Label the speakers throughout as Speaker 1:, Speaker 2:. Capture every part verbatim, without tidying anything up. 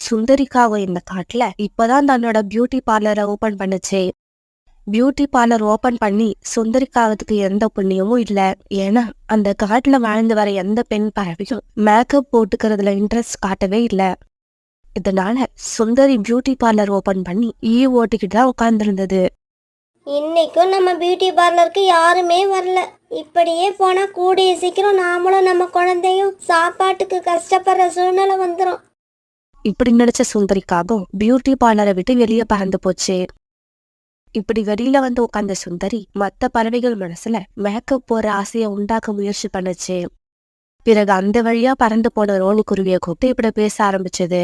Speaker 1: சுந்தரிக்காவும் இந்த காட்டுல இப்பதான் தன்னோட பியூட்டி பார்லரை ஓபன் பண்ணுச்சு. பியூட்டி பார்லர் ஓபன் பண்ணி சுந்தரிக்காவதுக்கு எந்த புண்ணியமும் இல்ல. ஏன்னா அந்த காட்டுல வாழ்ந்து வர எந்த பெண் பறவையும் மேக்கப் போட்டுக்கிறதுல இன்ட்ரெஸ்ட் காட்டவே இல்ல. இதனால சுந்தரி பியூட்டி பார்லர் ஓபன் பண்ணி ஈ ஓட்டுக்கிட்டு தான் உட்கார்ந்துருந்தது.
Speaker 2: இன்னைக்கும் நம்ம பியூட்டி பார்லருக்கு யாருமே வரல. இப்படியே போனா கூடிய சீக்கிரம் நாமளும் நம்ம குழந்தையும் சாப்பாட்டுக்கு கஷ்டப்படுற சூழ்நிலை வந்துடும்.
Speaker 1: இப்படி நினைச்ச சுந்தரிக்காகவும் பியூட்டி பார்லரை விட்டு வெளியே பறந்து போச்சு. இப்படி வெளியில வந்து உட்கார்ந்த சுந்தரி மத்த பறவைகள் மனசுல மேக்கப் போற ஆசைய உண்டாக்க முயற்சி பண்ணுச்சு. பிறகு அந்த வழியா பறந்து போன ரோனி குருவியை கூப்பிட்டு இப்படி பேச ஆரம்பிச்சது.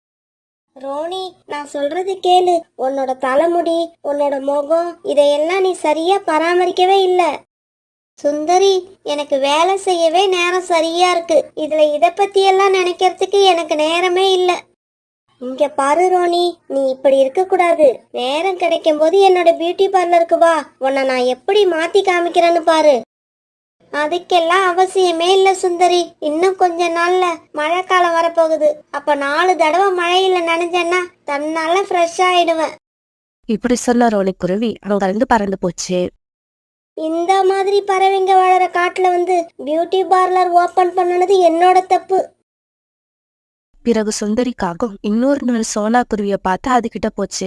Speaker 2: ரோனி, நான் சொல்றது கேளு. உன்னோட தலைமுடி, உன்னோட முகம், இதையெல்லாம் நீ சரியா பராமரிக்கவே இல்ல. சுந்தரி, எனக்கு வேலை செய்யவே நேரம் சரியா இருக்கு. இதுல இத பத்தி எல்லாம் நினைக்கிறதுக்கு எனக்கு நேரமே இல்ல. இங்க பாரு ரோனி, நீ இப்படி இருக்க கூடாது. நேரம் கிடைக்கும் போது என்னோட பியூட்டி பார்லருக்கு வா. உன்னை நான் எப்படி மாத்தி காமிக்கிறேன்னு பாரு. அதுக்கெல்லாம் அவசியமே இல்ல சுந்தரி. இன்னும் கொஞ்ச நாள்ல மழை காலம் வரப்போகுது. அப்ப நாலு தடவை மழையில நனைஞ்சேன்னா தன்னால ஃப்ரெஷ் ஆயிடுவேன்.
Speaker 1: இப்படி சொன்ன ரோனி குருவி அங்க இருந்து பறந்து போச்சு.
Speaker 2: இந்த மாதிரி பறவைங்க வாழற காட்டுல வந்து பியூட்டி பார்லர் ஓபன் பண்ணனது என்னோட தப்பு.
Speaker 1: பிறகு சுந்தரிக்காகவும் இன்னொரு நாள் சோனா குருவிய பார்த்து அதுகிட்ட போச்சு.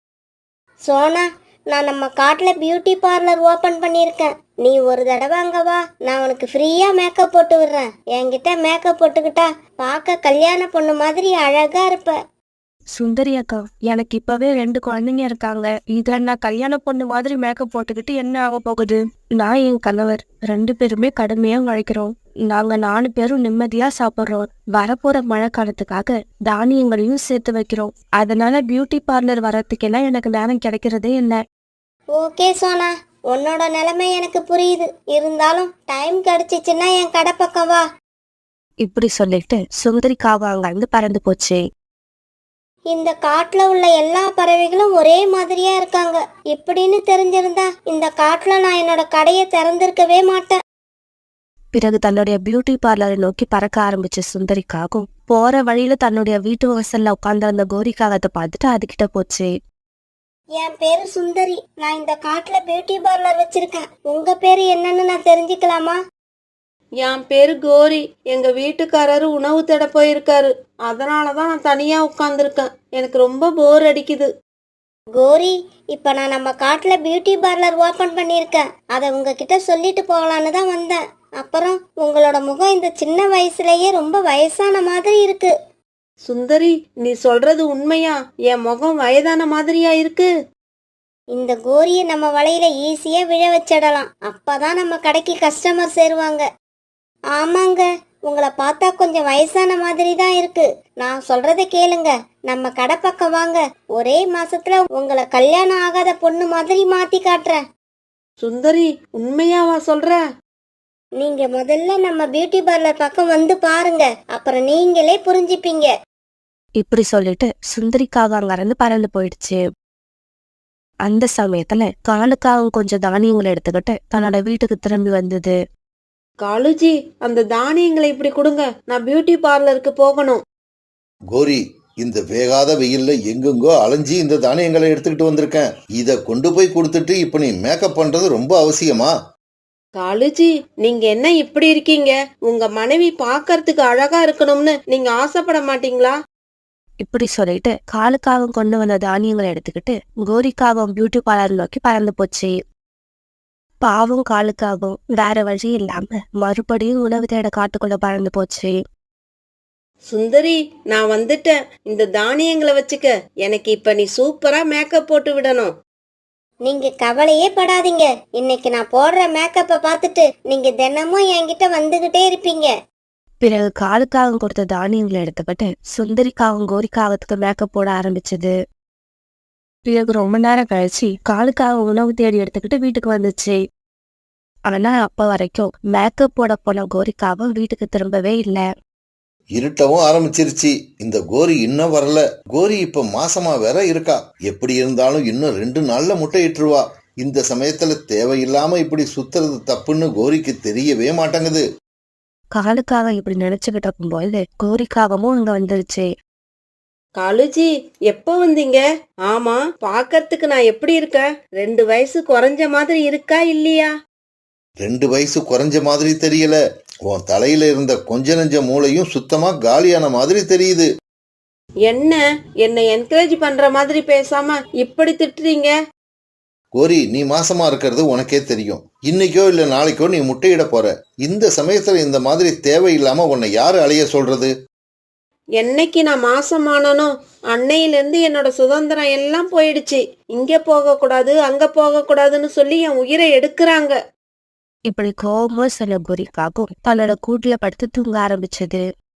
Speaker 2: சோனா, நான் நம்ம காட்டுல பியூட்டி பார்லர் ஓபன் பண்ணிருக்கேன். நீ ஒரு தடவை அங்க வா. நான் உனக்கு ஃப்ரீயா மேக்கப் போட்டு விடுறேன். என்கிட்ட மேக்கப் போட்டுக்கிட்டா பார்க்க கல்யாண பொண்ணு மாதிரி அழகா இருப்ப.
Speaker 1: சுந்தரி அக்கா, எனக்கு இப்பவே ரெண்டு குழந்தைங்க இருக்காங்க. இத நான் கல்யாண பொண்ணு மாதிரி மேக்கப் போட்டுக்கிட்டு என்ன ஆக போகுது? நான் என் கணவர் ரெண்டு பேருமே கடுமையா உழைக்கிறோம். நாங்க நாலு பேரும் நிம்மதியா சாப்பிடுறோம். வரப்போற மழை காலத்துக்காக தானியங்களையும் சேர்த்து வைக்கிறோம். அதனால பியூட்டி பார்லர் வரத்துக்கெல்லாம் எனக்கு நேரம் கிடைக்கிறதே இல்லை.
Speaker 2: ஓகே சோனா, உன்னோட நிலைமை எனக்கு புரியுது. இருந்தாலும் டைம் கிடைச்சிச்சுன்னா என் கடை பக்கம் வா.
Speaker 1: இப்படி சொல்லிட்டு சுந்தரிக்காக அங்க இருந்து பறந்து போச்சு.
Speaker 2: இந்த காட்டுல உள்ள எல்லா பறவைகளும் ஒரே மாதிரியா இருக்காங்க. இப்படின்னு தெரிஞ்சிருந்தா இந்த காட்டுல நான் என்னோட கடையை திறந்திருக்கவே மாட்டேன்.
Speaker 1: பிறகு தன்னுடைய பியூட்டி பார்லரை நோக்கி பறக்க ஆரம்பிச்ச சுந்தரிக்காகவும் போற வழியில தன்னுடைய வீட்டு வாசல்ல உட்கார்ந்து அந்த கோரிக்காகத்தை பார்த்துட்டு அதுகிட்ட போச்சு.
Speaker 2: என் பேரு சுந்தரி. நான் இந்த காட்டுல பியூட்டி பார்லர் வச்சிருக்கேன். உங்க பேரு என்னன்னு நான் தெரிஞ்சுக்கலாமா?
Speaker 3: என் பேரு கோரி. எங்க வீட்டுக்காரரு உணவு தேட போயிருக்காரு. அதனாலதான் நான் தனியா உட்கார்ந்துருக்கேன். எனக்கு ரொம்ப போர் அடிக்குது.
Speaker 2: கோரி, இப்ப நான் நம்ம காட்டுல பியூட்டி பார்லர் ஓபன் பண்ணிருக்கேன். அதை உங்ககிட்ட சொல்லிட்டு போகலான்னு தான் வந்தேன். அப்புறம் உங்களோட முகம் இந்த சின்ன வயசுலயே ரொம்ப வயசான மாதிரி இருக்கு.
Speaker 3: சுந்தரி, நீ சொல்றது உண்மையா? என் முகம் வயதான மாதிரியா இருக்கு?
Speaker 2: இந்த கோரிய நம்ம வலையில ஈஸியா விழ வச்சிடலாம். அப்பதான் நம்ம கடைக்கு கஸ்டமர் சேருவாங்க. ஆமாங்க, உங்களை பார்த்தா கொஞ்சம் வயசான மாதிரி தான் இருக்கு. நான் சொல்றத கேளுங்க. நம்ம கடை பக்கம் வாங்க. ஒரே மாசத்துல உங்களை கல்யாணம் ஆகாத பொண்ணு மாதிரி மாத்தி காட்டுறேன்.
Speaker 3: சுந்தரி, உண்மையாவா சொல்ற?
Speaker 2: நீங்க முதல்ல நம்ம பியூட்டி பார்லர் பக்கம் வந்து பாருங்க. அப்புறம் நீங்களே புரிஞ்சுப்பீங்க.
Speaker 1: இப்படி சொல்லிட்டு சுந்தரிக்காக அங்க இருந்து பறந்து போயிடுச்சு. அந்த சமயத்துல காலுக்காகவும் கொஞ்சம் தானியங்களை எடுத்துக்கிட்டு தன்னோட வீட்டுக்கு திரும்பி வந்தது.
Speaker 3: காலுஜி, அந்த தானியங்களை இப்படி கொடுங்க. நான் பியூட்டி பார்லருக்கு போகணும்.
Speaker 4: கோரி, இந்த வேகாத வெயில்ல எங்கெங்கோ அலைஞ்சி இந்த தானியங்களை எடுத்துக்கிட்டு வந்திருக்கேன். இத கொண்டு போய் கொடுத்துட்டு இப்ப நீ மேக்கப் பண்றது ரொம்ப அவசியமா?
Speaker 3: காலுஜி, நீங்க என்ன இப்படி இருக்கீங்க? உங்க மனைவி பாக்கறதுக்கு அழகா இருக்கணும்னு நீங்க ஆசைப்பட மாட்டீங்களா?
Speaker 1: இப்படி சொல்லிட்டு காலுக்காகவும் கொண்டு வந்த தானியங்களை எடுத்துக்கிட்டு கோரிக்காகவும் பியூட்டி பார்லர் நோக்கி பறந்து போச்சு. பாவும் காலுக்காகவும் வேற வழி இல்லாம மறுபடியும் உணவு தேட காட்டுக்குள்ள பறந்து போச்சு.
Speaker 3: சுந்தரி, நான் வந்துட்டேன். இந்த தானியங்களை வச்சுக்க. எனக்கு இப்ப நீ சூப்பரா மேக்கப் போட்டு விடணும்.
Speaker 2: நீங்க கவலையே படாதீங்க. இன்னைக்கு நான் போடுற மேக்கப்பை பார்த்துட்டு நீங்க தினமும் என்கிட்ட வந்துகிட்டே இருப்பீங்க.
Speaker 1: பிறகு காலுக்காகவும் கொடுத்த தானியங்களை எடுத்துக்கிட்டு சுந்தரிக்காகவும் கோரிக்காகத்துக்கு மேக்கப் போட ஆரம்பிச்சது. பிறகு ரொம்ப நேரம் கழிச்சு காலுக்காக உணவு தேடி எடுத்துக்கிட்டு வீட்டுக்கு வந்துச்சு. ஆனா அப்ப வரைக்கும் மேக்கப் போட போன கோரிக்காவும் வீட்டுக்கு திரும்பவே இல்ல.
Speaker 4: இருட்டவும் ஆரம்பிச்சிருச்சு. இந்த கோரி இன்னும் வரல. கோரி இப்ப மாசமா வேற இருக்கா. எப்படி இருந்தாலும் இன்னும் ரெண்டு நாள்ல முட்டையிட்டுருவா. இந்த சமயத்துல தேவையில்லாம இப்படி சுத்துறது தப்புன்னு கோரிக்கு தெரியவே மாட்டேங்குது.
Speaker 1: காலுக்காக இப்படி நினைச்சுக்கிட்டு இருக்கும்போது கோரிக்காகவும் அங்க வந்துருச்சு.
Speaker 3: காலுஜி, எப்போ வந்தீங்க? ஆமா, பாக்கறதுக்கு நான் எப்படி இருக்கேன்? ரெண்டு வயசு குறைஞ்ச மாதிரி இருக்கா இல்லையா?
Speaker 4: ரெண்டு வயசு குறைஞ்ச மாதிரி தெரியல. உன் தலையில இருந்த கொஞ்ச நெஞ்ச மூளையும் சுத்தமா காலியான மாதிரி தெரியுது.
Speaker 3: என்ன என்னை என்கரேஜ் பண்ற மாதிரி பேசாம இப்படி திட்டுறீங்க?
Speaker 4: கோரி, நீ மாசமா இருக்கிறது உனக்கே தெரியும். இன்னைக்கோ இல்ல நாளைக்கோ நீ முட்டையிட போற. இந்த சமயத்துல இந்த மாதிரி தேவையில்லாம உன்னை யாரு அலைய சொல்றது?
Speaker 3: என்னைக்கு நான் மாசமானனோ அன்னையிலிருந்து என்னோட சுதந்திரம் எல்லாம் போயிடுச்சு. இங்க போக கூடாது, அங்க போக கூடாதுன்னு சொல்லி என் உயிரை எடுக்கிறாங்க.
Speaker 1: இப்படி கோபமா சொன்ன கோரிக்காகவும் தன்னோட கூட்டுல படுத்து தூங்க ஆரம்பிச்சது.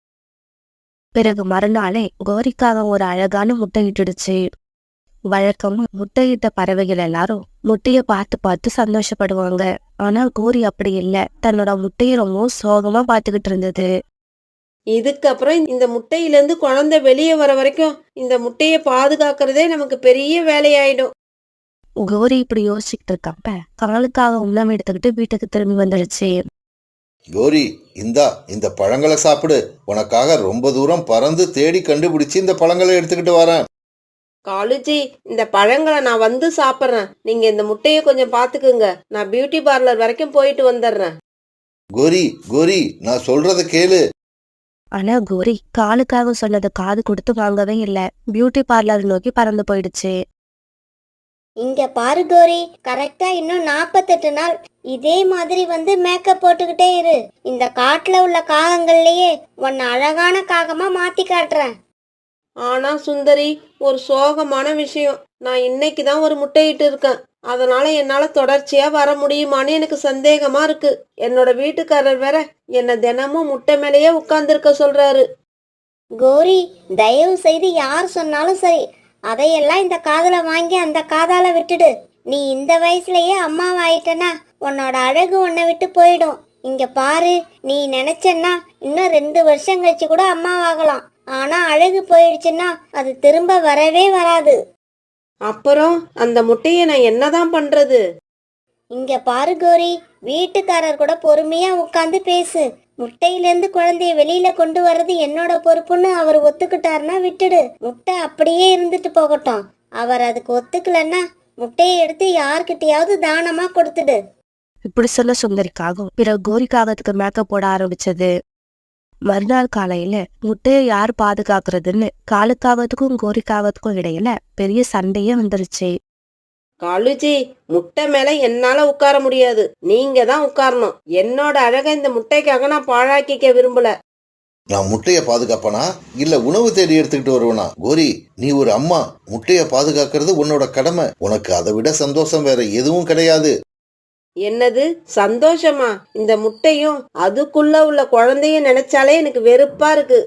Speaker 1: பிறகு மறுநாளே கோரிக்காக ஒரு அழகான முட்டையிட்டுடுச்சு. வழக்கமா முட்டையிட்ட பறவைகள் எல்லாரும் முட்டைய பார்த்து பார்த்து சந்தோஷப்படுவாங்க. ஆனா கோரி அப்படி இல்லை. தன்னோட முட்டைய ரொம்ப சோகமா பார்த்துக்கிட்டு இருந்தது.
Speaker 3: இதுக்கப்புறம் இந்த முட்டையிலேருந்து குழந்தை வெளியே வர வரைக்கும் இந்த முட்டையை பாதுகாக்கிறதே நமக்கு பெரிய வேலையாயிடும்.
Speaker 1: கோரி இப்படி யோசிச்சுக்கிட்டு இருக்கப்ப காலுக்காக உணவு எடுத்துக்கிட்டு வீட்டுக்கு திரும்பி வந்துடுச்சு.
Speaker 4: கோரி, இந்தா இந்த பழங்களை சாப்பிடு. உனக்காக ரொம்ப தூரம் பறந்து தேடி கண்டுபிடிச்சு இந்த பழங்களை எடுத்துக்கிட்டு வரேன்.
Speaker 3: காலுஜி, இந்த பழங்களை நான் வந்து சாப்பிட்றேன். நீங்க இந்த முட்டையை கொஞ்சம் பாத்துக்குங்க. நான் பியூட்டி பார்லர் வரைக்கும் போயிட்டு வந்துடுறேன்.
Speaker 4: கோரி, கோரி, நான் சொல்றத கேளு.
Speaker 1: ஆனா கோரி காலுக்காக சொன்னதை காது கொடுத்து வாங்கவே இல்லை. பியூட்டி பார்லர் நோக்கி பறந்து போயிடுச்சு.
Speaker 2: இங்க பாரு கோரி, கரெக்டா இன்னும் நாப்பத்தெட்டு நாள் இதே மாதிரி வந்து மேக்கப் போட்டுக்கிட்டே இரு. இந்த காட்டுல உள்ள காகங்கள்லயே உன்னை அழகான காகமா மாத்தி காட்டுறேன்.
Speaker 3: ஆனா சுந்தரி, ஒரு சோகமான விஷயம். நான் இன்னைக்கு தான் ஒரு முட்டையிட்டு இருக்கேன். அதனால என்னால தொடர்ச்சியா வர முடியுமான்னு எனக்கு சந்தேகமா இருக்கு. என்னோட வீட்டுக்காரர் வேற என்ன தினமும் முட்டை மேலேயே உட்கார்ந்துருக்க சொல்றாரு.
Speaker 2: கோரி, தயவு செய்து யார் சொன்னாலும் சரி, அதையெல்லாம் இந்த காதுல வாங்கி அந்த காதால விட்டுடு. நீ இந்த வயசுலயே அம்மாவாயிட்டனா உன்னோட அழகு உன்னை விட்டு போயிடும். இங்க பாரு, நீ நினைச்சன்னா இன்னும் ரெண்டு வருஷம் கழிச்சு கூட அம்மாவாகலாம். ஆனா அழகு போயிடுச்சுன்னா அது திரும்ப வரவே வராது.
Speaker 3: அப்புறம் அந்த முட்டையை நான் என்னதான் பண்றது?
Speaker 2: இங்க பாரு கோரி, வீட்டுக்காரர் கூட பொறுமையா உட்காந்து பேசு. முட்டையிலேருந்து குழந்தைய வெளியில கொண்டு வர்றது என்னோட பொறுப்புன்னு அவர் ஒத்துக்கிட்டாருன்னா விட்டுடு. முட்டை அப்படியே இருந்துட்டு போகட்டும். அவர் அதுக்கு ஒத்துக்கலன்னா முட்டையை எடுத்து யார்கிட்டயாவது தானமா கொடுத்துடு.
Speaker 1: இப்படி சொல்ல சுந்தரிக்காகவும் பிறகு கோரிக்காகத்துக்கு மேக்கப் போட ஆரம்பிச்சது. மறுநாள் காலையில முட்டையை யார் பாதுகாக்கிறதுன்னு காலுக்காகத்துக்கும் கோரிக்காகத்துக்கும் இடையில பெரிய சண்டையே வந்துருச்சு.
Speaker 3: காலுஜி, முட்டை மேல என்னால உட்கார முடியாது. நீங்க தான் உட்காரணும். என்னோட அழகை இந்த முட்டைக்காக நான் பாழாக்கிக்க விரும்பல.
Speaker 4: நான் முட்டைய பாதுகாப்பனா இல்ல உணவு தேடி எடுத்துக்கிட்டு வருவனா? கோரி, நீ ஒரு அம்மா. முட்டைய பாதுகாக்கிறது உன்னோட கடமை. உனக்கு அதை விட சந்தோஷம் வேற எதுவும் கிடையாது.
Speaker 3: என்னது சந்தோஷமா? இந்த முட்டையும் அதுக்குள்ள உள்ள குழந்தையும் நினைச்சாலே எனக்கு வெறுப்பா இருக்கு.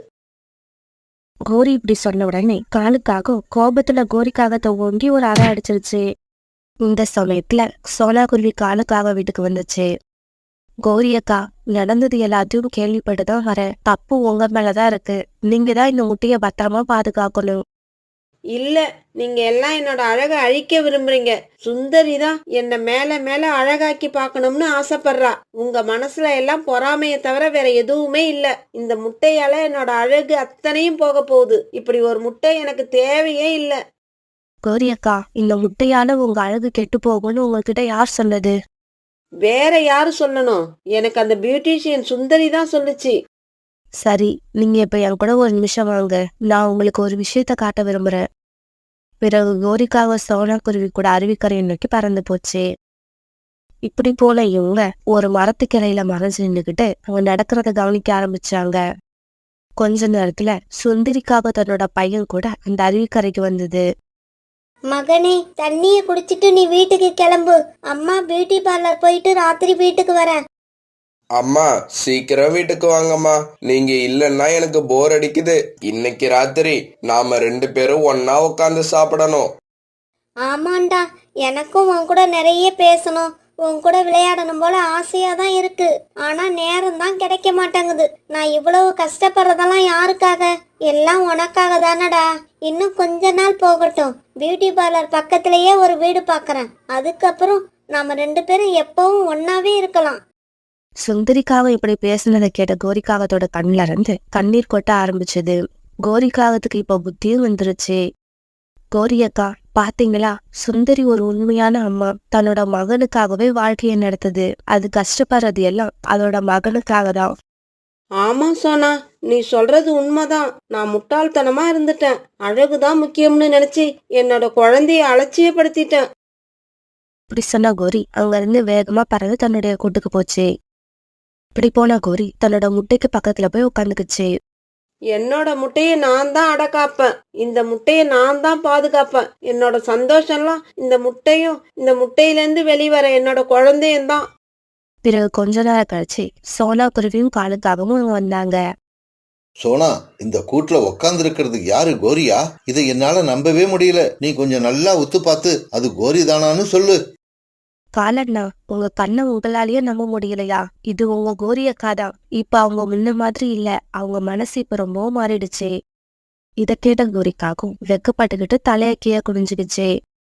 Speaker 1: கோரி இப்படி சொன்ன உடனே காலுக்காக கோபத்துல கோரிக்காகத்தை ஓங்கி ஒரு அறை அடிச்சிருச்சு. இந்த சமயத்துல சோனா குருவி காலுக்காக வீட்டுக்கு வந்துச்சு. கோரி அக்கா, நடந்தது எல்லாத்தையும் கேள்விப்பட்டுதான் வரேன். தப்பு உங்க மேலதான் இருக்கு. நீங்க தான் இந்த முட்டைய பத்திரமா பாதுகாக்கணும்.
Speaker 3: இல்ல, நீங்க எல்லாம் என்னோட அழகை அழிக்க விரும்புறீங்க. சுந்தரி தான் என்ன மேல மேல அழகாக்கி பார்க்கணும்னு ஆசைப்படுறா. உங்க மனசுல எல்லாம் பொறாமைய தவிர வேற எதுவுமே இல்ல. இந்த முட்டையால என்னோட அழகு அத்தனையும் போக போகுது. இப்படி ஒரு முட்டை எனக்கு தேவையே இல்ல.
Speaker 1: கோரி அக்கா, இந்த முட்டையால உங்க அழகு கெட்டு போகும்னு உங்ககிட்ட யார் சொன்னது?
Speaker 3: வேற யாரு சொல்லணும்? எனக்கு அந்த பியூட்டிஷியன் சுந்தரி தான் சொல்லுச்சு.
Speaker 1: சரி, நீங்க இப்ப என் கூட ஒரு நிமிஷம் வாங்க. நான் உங்களுக்கு ஒரு விஷயத்த காட்ட விரும்புறேன். பிறகு கோரிக்காக சோனா குருவி கூட அருவிக்கரையை நோக்கி பறந்து போச்சு. இப்படி போல இவங்க ஒரு மரத்துக்கிளையில மறைஞ்சு நின்றுகிட்டு அவங்க நடக்கிறத கவனிக்க ஆரம்பிச்சாங்க. கொஞ்ச நேரத்துல சுந்தரிக்காக தன்னோட பையன் கூட அந்த அருவிக்கரைக்கு வந்தது.
Speaker 2: மகனே, தண்ணிய குடிச்சிட்டு நீ வீட்டுக்கு கிளம்பு. அம்மா பியூட்டி பார்லர் போயிட்டு ராத்திரி வீட்டுக்கு வரேன்.
Speaker 5: அம்மா, சீக்கிரம் வீட்டுக்கு வாங்கம்மா. நீங்க இல்லைன்னா எனக்கு போர் அடிக்குது. இன்னைக்கு ராத்திரி நாம ரெண்டு பேரும் ஒன்னா உட்காந்து சாப்பிடணும்.
Speaker 2: ஆமாண்டா, எனக்கும் உன் கூட நிறைய பேசணும், உன் கூட விளையாடணும் போல ஆசையா தான் இருக்கு. ஆனா நேரம் தான் கிடைக்க மாட்டேங்குது. நான் இவ்வளவு கஷ்டப்படுறதெல்லாம் யாருக்காக? எல்லாம் உனக்காக தானடா. இன்னும் கொஞ்ச நாள் போகட்டும். பியூட்டி பார்லர் பக்கத்திலேயே ஒரு வீடு பாக்குறேன். அதுக்கப்புறம் நாம ரெண்டு பேரும் எப்பவும் ஒன்னாவே இருக்கலாம்.
Speaker 1: சுந்தரிக்காக இப்படி பேசினதை கேட்ட கோரிக்காகத்தோட கண்ணுல இருந்து கண்ணீர் கொட்ட ஆரம்பிச்சது. கோரிக்காகத்துக்கு இப்ப புத்தியும் வந்துருச்சு. கோரி அக்கா பாத்தீங்களா, சுந்தரி ஒரு உண்மையான அம்மா. தன்னோட மகனுக்காகவே வாழ்க்கையை நடத்துது. அது கஷ்டப்படுறது எல்லாம் அதோட மகனுக்காக தான்.
Speaker 3: ஆமா சோனா, நீ சொல்றது உண்மைதான். நான் முட்டாள்தனமா இருந்துட்டேன். அழகுதான் முக்கியம்னு நினைச்சு என்னோட குழந்தைய அலட்சியப்படுத்திட்டேன்.
Speaker 1: இப்படி சொன்ன கோரி அங்க இருந்து வேகமா பறந்து தன்னுடைய கூட்டுக்கு போச்சு. இப்படி போன கோரி தன்னோட முட்டைக்கு பக்கத்துல போய் உட்காந்துக்குச்சு.
Speaker 3: என்னோட முட்டைய நான் தான் அடக்காப்பேன். இந்த முட்டைய நான் தான் பாதுகாப்பேன். என்னோட சந்தோஷம்லாம் இந்த முட்டையும் இந்த முட்டையிலேருந்து வெளிவர என்னோட குழந்தையும் தான்.
Speaker 1: பிறகு கொஞ்ச நேரம் கழிச்சு சோனா குருவியும் காலுக்காகவும் அங்க வந்தாங்க.
Speaker 4: சோனா, இந்த கூட்டுல உக்காந்து இருக்கிறது யாரு? கோரியா? இதை என்னால நம்பவே முடியல. நீ கொஞ்சம் நல்லா உத்து பார்த்து அது கோரி தானான்னு சொல்லு.
Speaker 1: காலண்ணா, உங்க கண்ணை உங்களாலேயே நம்ப முடியலையா? இது உங்க கோரி அக்கா தான். இப்ப அவங்க முன்ன மாதிரி இல்ல. அவங்க மனசு இப்ப ரொம்பவும் மாறிடுச்சு. இத கேட்ட கோரிக்காகும் வெக்கப்பட்டுக்கிட்டு தலைய கீழே குனிஞ்சுக்கிச்சு.